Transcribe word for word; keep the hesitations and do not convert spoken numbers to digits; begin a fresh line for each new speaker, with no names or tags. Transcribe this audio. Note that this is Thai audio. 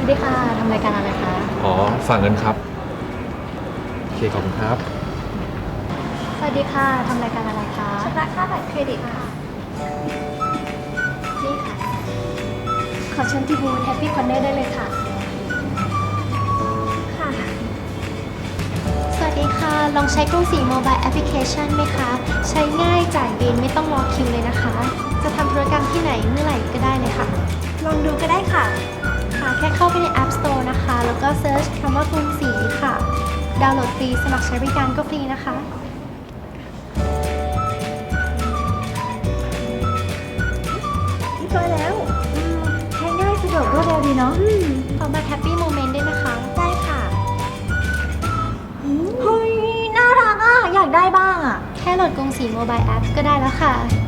ดีค่ะทำรายการอะไรคะ
อ๋อฝากเงินครับโอเคขอบคุณครับ
สวัสดีค่ะทำรายการอะไรคะ
ชำระค่าบัตรเครดิตค่ะ
นี่ค่ะ ขอเชิญที่บูธแฮปปี้คอนเนอร์ได้เลยค่ะ
ค่ะ
สวัสดีค่ะ ลองใช้กรุงศรีโมบายแอปพลิเคชันไหมคะ ใช้ง่ายจ่ายบินไม่ต้องรอคิวเลยนะคะ จะทำธุรกรรมที่ไหนเมื่อไหร่ก็ได้เลยค่ะ
ลองดูก็ได้ค่ะ
ค่ะแค่เข้าไปใน App Store นะคะ แล้วก็เซิร์ชคำว่ากรุงศรีค่ะ ดาวน์โหลดฟรี สมัครใช้บริการก็ฟรีนะคะ
เรียบร้อยแล้วอืมใช้ง่ายสะดวกรวดเร็วดีเนาะ
อืมขอบัตรแฮปปี้โมเมนต์ด้วยนะคะ
ได้ค่ะเฮ้ย น่ารักอ่ะ อยากได้บ้างอ่ะ
แค่โหลดกรุงศรีโมบายแอปก็ได้แล้วค่ะ